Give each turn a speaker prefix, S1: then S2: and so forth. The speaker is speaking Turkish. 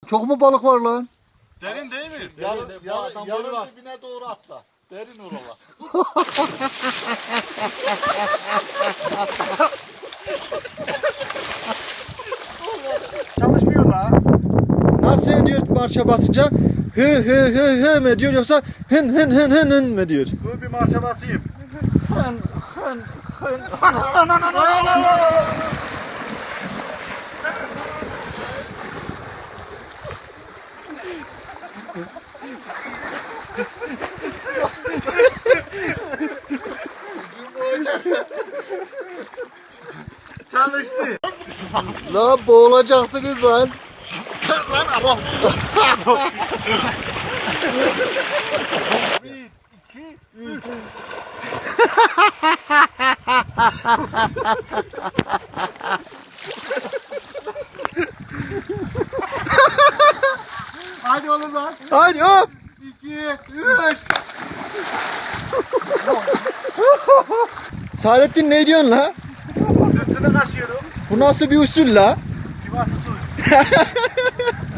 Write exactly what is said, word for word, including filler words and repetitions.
S1: Çok mu balık var lan?
S2: Derin değil mi?
S3: Yarın,
S4: Derin,
S3: yarın,
S4: yarın
S3: yarın dibine doğru atla. Derin oralar.
S2: Çalışmıyor la.
S1: Nasıl ediyor marşa basınca? Hı hı hı hı mı diyor yoksa hın hın hın hın hın mı diyor?
S2: Dur bir marşa basayım. Çalıştı.
S1: Lan boğulacaksınız lan.
S2: Hadi oğlum lan.
S1: Hadi hop.
S2: İki, üç.
S1: Saadettin ne diyorsun la?
S2: Sırtını kaşıyorum.
S1: Bu nasıl bir usul la?
S2: Sivas usulü.